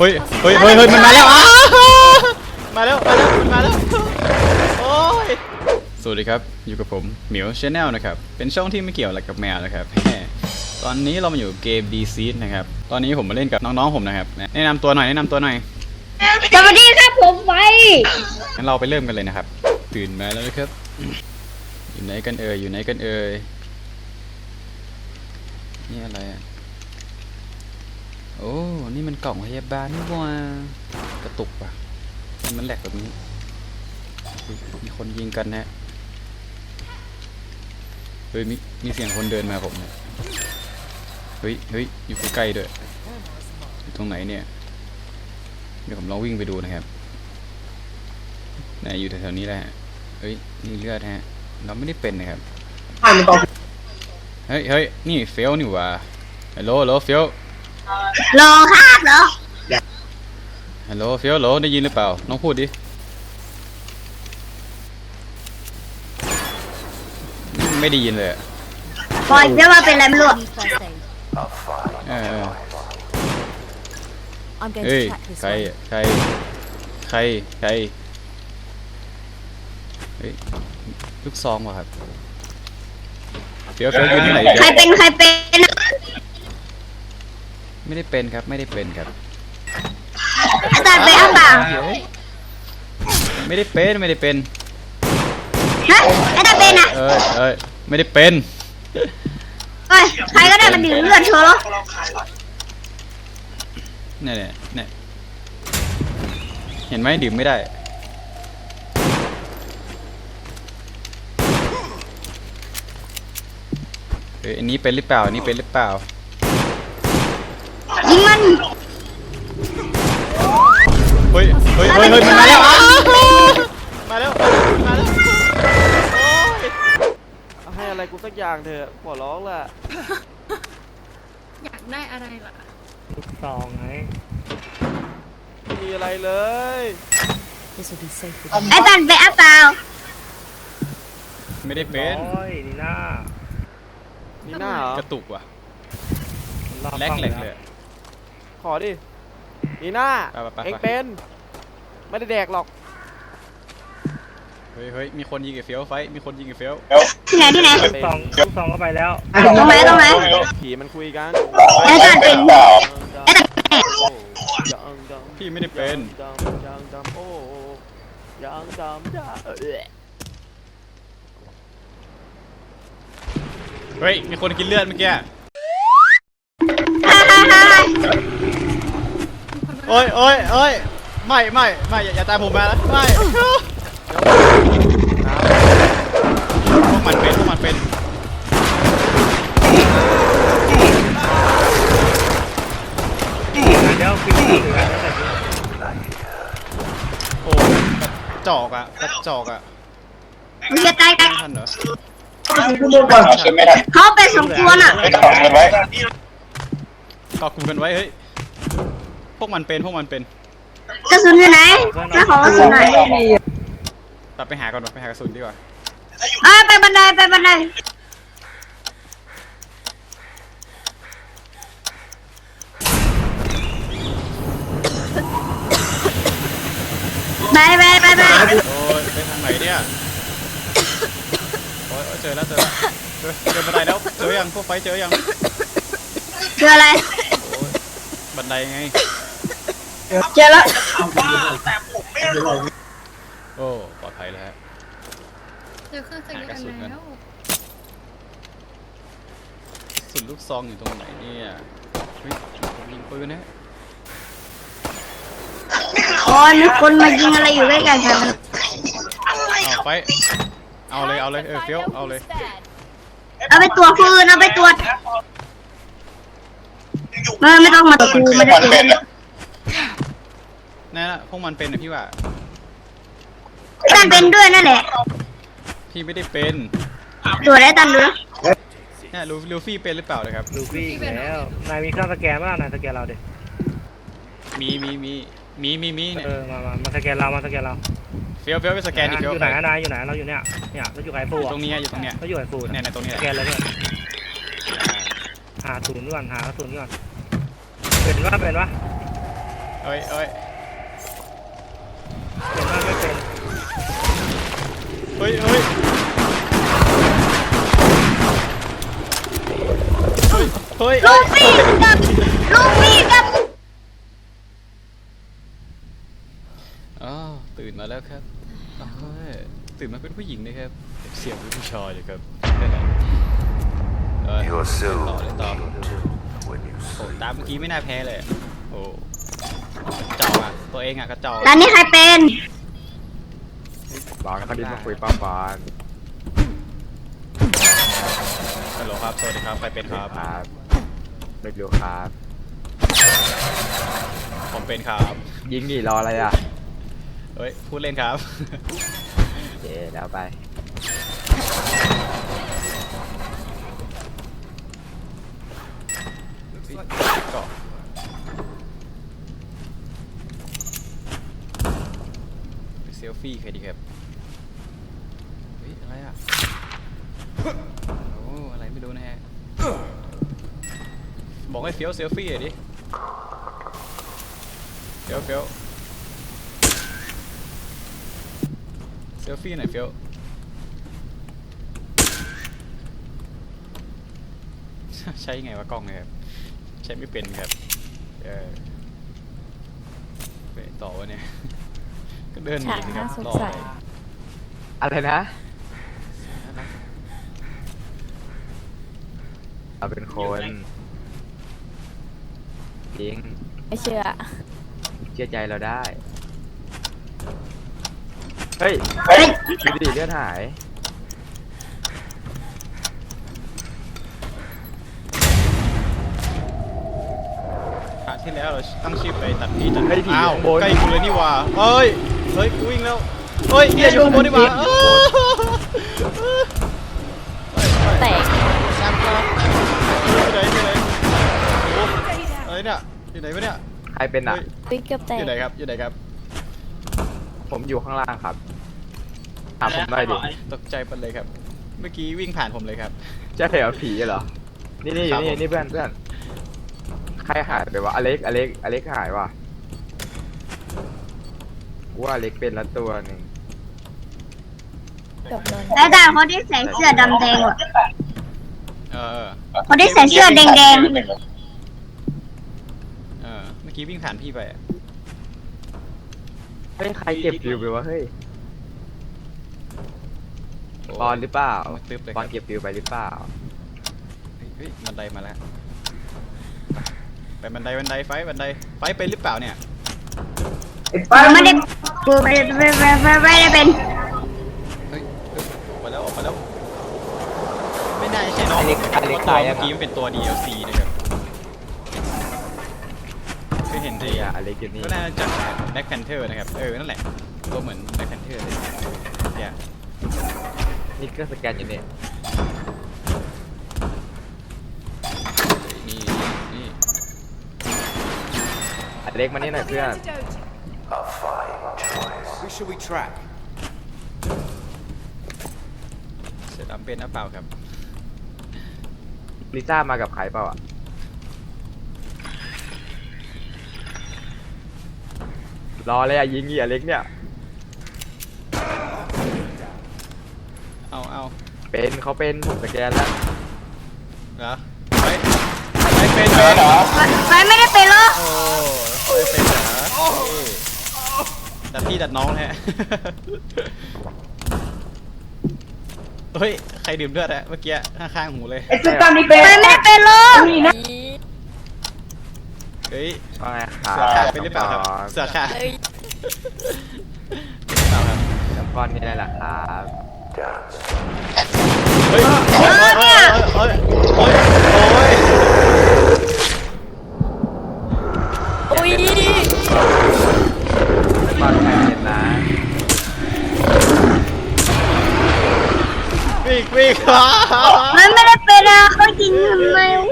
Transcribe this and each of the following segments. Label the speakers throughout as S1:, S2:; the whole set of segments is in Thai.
S1: ฮ้ยมันมาแล้วมาแล้วโอ้ยสวัสดีครับอยู่กับผมเหมียวชาแนลนะครับเป็นช่องที่ไม่เกี่ยวอะไรกับแมวนะครับตอนนี้เรามาอยู่เกม D Seed นะครับตอนนี้ผมมาเล่นกับน้องๆผมนะครับแนะนำตัวหน่อย
S2: สวัสดีครับผมไฟ
S1: งั้นเราไปเริ่มกันเลยนะครับตื่นมาแล้วนะครับอยู่ไหนกันเอ่ยนี่อะไรอ่ะโอ้นี่มันกล่องพยาบาลนี่ว่ากระตุกป่ะมันแหลกแบบนี้มีคนยิงกันนะเฮ้ยมีเสียงคนเดินมาผมเฮ้ยอยู่ใกล้ๆด้วยอยู่ตรงไหนเนี่ยเดี๋ยวผมลองวิ่งไปดูนะครับอยู่แถวๆนี้แหละเฮ้ยนี่เลือดฮะเราไม่ได้เป็นนะครับเฮ้ยนี่เฟลนี่ว่ะฮัลโหลเฟล
S2: รอครับเหรอ
S1: ฮัลโหลเฟลโหลได้ยินหรือเปล่าน้องพูดดิไม่ได้ยินเลย
S2: ปล่อยเดี๋ยวมาเป็นอะไรไม่รู้
S1: เฮ้ยใครเฮ้ยลูกซองว่ะครับเฟี้ยวอยู่ที่ไหน
S2: ใครเป็น
S1: ไม่ได้เป็นครับ
S2: อาจารย์เป็นเปล่า
S1: ไม่ได้เป็น
S2: ฮะอาจารย์เป็นอ่ะ
S1: ไม่ได้เป็น
S2: ใครก็ได้มันดื่มเลือดเชียวเหรอ
S1: เนี่ยเห็นไหมดื่มไม่ได้อันนี้เป็นหรือเปล่า
S2: ยิงมัน
S1: เฮ้ยมันมาแล้ว
S3: ให้อะไรกูสักอย่างเถอะขอร้องล่ะ
S4: อยากได้อะไรล่ะ
S3: ลูกซองไงไม่มีอะไรเลย
S2: อาจารย์เป็นเปล่า
S1: ไม่ได้เป็น
S3: นี่หน้าเหรอก
S1: ระตุกว่ะแหลกเลย
S3: ขอดินี่หน้าเอ็งเป็นไม่ได้แดกหรอก
S1: เฮ้ยมีคนยิงกับเฟี้ยวไฟ
S2: ที่ไหน
S3: ลูกซองก็ไปแล้ว
S2: ตรงไหน
S3: ผีมันคุยกัน
S2: อาจารย์เป็น
S1: พี่ไม่ได้เป็นเฮ้ยมีคนกินเลือดเมื่อกี้โอ้ยไม่อย่าตามผมมานะไม่พวกมันเป็น
S3: เดี๋ยวฟิว
S1: โอ้กระจอกอ่ะ
S2: มึงจะตายกัน
S1: ทันเหรอ
S2: เขาเป็นสองตัวน่ะ
S1: ก็คุมกันไว้เฮ้ยพวกมันเป็น
S2: กระสุนอยู่ไหนแม่ขอกระสุนหน่อย
S1: ตัดไปหาก่อนไปหากระสุนดีกว่า
S2: ไปบันไดไปบันได
S1: โอ้ยไปทางไหนเนี่ยโอ้ยเจอแล้วเจอบันไดแล้วเจอยังพวกไฟเจอยัง
S2: เจออะไร
S1: บันไดไง
S2: เจอแล้ว
S1: โอ้ปลอดภัยแล้วฮะ
S4: เจอเครื่องใส่กันแล้ว
S1: สุดลูกซองอยู่ตรงไหนเนี่ยยิงปืนนะ
S2: มีคนมายิงอะไรอยู่ใกล้ๆกัน
S1: ไปเอาเลยเฟี้ยวเอาเลย
S2: เอาไปตรวจฟืนเอาไปตรวจไม่ต้องมาตรวจกูไม่ได้เป็น
S1: นั่นแหละพวกมันเป็นนะพี่ว่า
S2: ตันเป็นด้วยนั่นแหละ
S1: พี่ไม่ได้เป็น
S2: ตรวจได้ตันดู
S1: เนี่ยลูฟี่เป็นหรือเปล่าเลยครับ
S3: ลูฟี่แล้วนายมีเครื่องสแกนป่ะนายสแกนเราดิ
S1: มีเนี่ย
S3: มาสแกนเรา
S1: เฟี้ยวไปสแกนอีก
S3: อยู่ไหนนายอยู่ไหนเราอยู่เนี่ยเราอยู่ไอ้ฟู
S1: ตรงนี้เรา
S3: อยู่ไอ้ฟู
S1: เนี่ยตรงนี้
S3: สแกนเลยเนี่ยหาศูนย์ก่อนหากระสุนก่อนเป็นวะ
S1: เอ้ยเอ้ย
S5: ไม่เป็น
S1: เฮ้ยเฮ้ยเฮ้ย
S2: ลูฟี่กับลูฟี่กับ
S1: อ๋อตื่นมาแล้วครับเฮ้ยตื่นมาเป็นผู้หญิงนะครับเสียงเป็นผู้ชายเลยครับ
S6: You're so
S1: ต่อเลยต่อ
S6: when you
S1: โอ้
S6: sleep.
S1: ตามเมื่อกี้ไม่น่าแพ้เลยโอ้กระจอกอ่ะตัวเองอ่ะกระจอก
S2: แล้วนี่ใครเป็น
S3: บางคดีมาคุยป้าปาน
S1: ฮัลโหลครับสวัสดีครับใครเป็นครับ
S3: ครับไม่รู้ครับ
S1: ผมเป็นครับ
S3: ยิงดิรออะไรอ่ะ
S1: เฮ้ยพูดเล่นครับ
S3: เย่แล้วไป
S1: ก็ไปเซลฟี่ใครดีครับเฮ้ยอะไรอ่ะโอ้อะไรไม่รู้นะฮะบอกให้เฟี้ยวเซลฟี่หน่อยดิเฟี้ยวเฟี้ยวเซลฟี่หน่อยเฟี้ยวใช้ยังไงวะกล้องเนี่ยครับใช้ไม่เป็นครับไปต่อวะเนี่ย ก็เดินหนีสิครับรออะไร
S3: อะไรนะเราเป็นคนจริง
S7: ไม่เชื่อ
S3: เชื่อใจเราได้ เฮ้ยดูดิเลือดหาย
S1: ครั้งที่แล้วเราตั้งชื่อไปตัดพี่ตัด
S3: เฮ้ยผี
S1: อ้าว
S3: ข้างบน
S1: ใกล้กูเลยนี่หว่าเฮ้ยเฮ้ยกูวิ่งแล้วเฮ้ยเนี่ยอยู่ข้างบนนี่หว่า
S7: แตก
S1: แซมครับอยู่ไหนอยู่ไหนโอ้อะไรเนี่ยอยู่ไหนวะเนี่ย
S3: ใครเป็นอ่ะ
S7: วิกเกือบแต
S1: อก ยู่ไหนครับอยู่ไหนครับ
S3: ผมอยู่ข้างล่างครับถามผมหน่อยดิ
S1: ตกใจไปเลยครับ เมื่อกี้วิ่งผ่านผมเลยครับ
S3: ใช่เหรอผีเหรอ นี่นี่อยู่นี่
S1: ครับผม
S3: นี่เพื่อนเพื่อนใครหายไปวะอเล็กหายว่ะกูว่าอเล็กเป็นละตัวหนึ่ง
S7: เกือบโดน
S2: แล้วด่าคนที่ใส่เสื้อดำแดงว่ะ
S1: เออ
S2: คนที่ใส่เสื้อแดง
S1: เมื่อกี้วิ่งผ่านพี่ไปอะ
S3: เฮ้ยใครเก็บฟิวไปวะเฮ้ย
S1: โ
S3: ปอนหรือเปล่า
S1: มืดตึ๊บเลย
S3: ป
S1: ค
S3: อ
S1: รั
S3: น
S1: บ
S3: เก็บฟิวไปหรือเปล่า
S1: เฮ้ยบันไดมาแล้วไปบันไดไฟไปหรือเปล่าเนี่ย
S2: ๆกูไม่ได้กูไม่ได้เป็น
S1: เฮ้ยออกมาแล้วไม่น่าจะใช่น้อง
S3: อเล็ก
S1: เพราะตัว
S3: ตายยั
S1: เมื่
S3: ง
S1: อกี้มันเป็นตัว DLC นะครับเคยเห็นที
S3: เนี่ยอเล็กอยู่นี่
S1: ก็น่าจะจาก Black Panther นะครับนั่นแหละตัวเหมือน Black Panther เลยเนี่ย
S3: นี่ก็สแกนอยู่เนี่ย
S1: นี่
S3: อเล็กมานี่หน่อยเพื่อน
S6: A fine choice.
S5: Who should we track?
S1: เสือดำเป็นหรือเปล่าครับ
S3: ลิซ่ามากับใครเปล่าอ่ะรอเลยอ่ะยิงอีอเล็กเนี่ย
S1: เอา
S3: เป็นเขาเป็นผมสแกนแล้ว
S1: เหรอไม่เป็นเหรอ
S2: ไฟไม่ได้เป็นหรอก
S1: โอ้ไม่เป็นเหรอดัดพี่ดัดน้องแฮะ เฮ้ย ใครดื่มเลือดอะเมื่อกี้ข้างๆหูเลย
S2: ไฟไม่ได้เป็นหรอก
S1: เฮ้ย
S3: ว่าไงค
S1: เสือ
S3: รั
S1: ขา
S3: บ
S1: เป็นหรือเปล่าครับ เสือขา
S7: เฮ้ย
S1: เป็นหรือเปล่าครับ
S3: น้ำก้อนนี่ได้แหละครับ
S1: เฮ้ยโอ้ย
S7: อุ้ย
S3: ก้อนแข็งเย็นนะ
S1: วิ่ง
S2: มันไม่ได้เป็นอะเขายิงทำไมวะ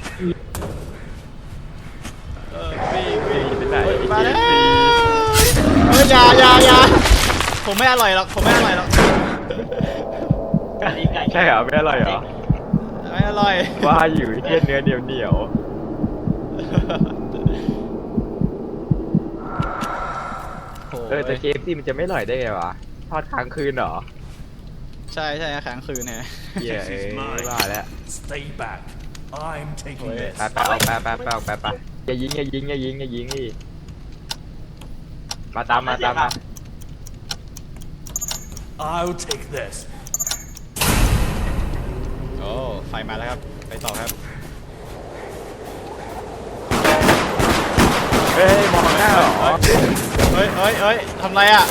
S1: วิ่ง
S3: ไปไหน
S1: มาแล้วอย่าผมไม่อร่อยหรอก
S3: ใช่เหรอไม่อร่อยเหรอ
S1: ไม่อร่อย
S3: ว่าอยู่เทียนเนื้อเหนียว
S5: แต่เคฟซีมันจะไม่อร่อยได้ไงวะทอดค้างคืนเหรอ
S1: ใช่ค้างคืนนะ
S5: เหี้ยว่าแล้ว
S6: Stay back. I'm taking
S1: Wait.
S6: this.
S5: ไปอย่ายิงนี่มาตามมา
S6: I'll take this.
S1: โอ้ไฟมาแล้วครับไปต่อครับ
S5: เฮ้ยมองหน้าเหรอ
S1: เฮ้ยทำไรอ่ะ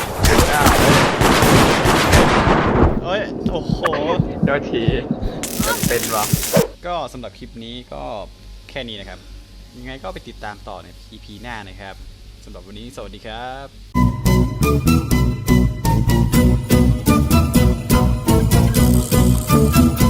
S1: เฮ้ยโอ้โห
S5: โดนทีเป็นวะ
S1: ก็สำหรับคลิปนี้ก็แค่นี้นะครับ ยังไงก็ไปติดตามต่อใน EP หน้านะครับสำหรับวันนี้สวัสดีครับ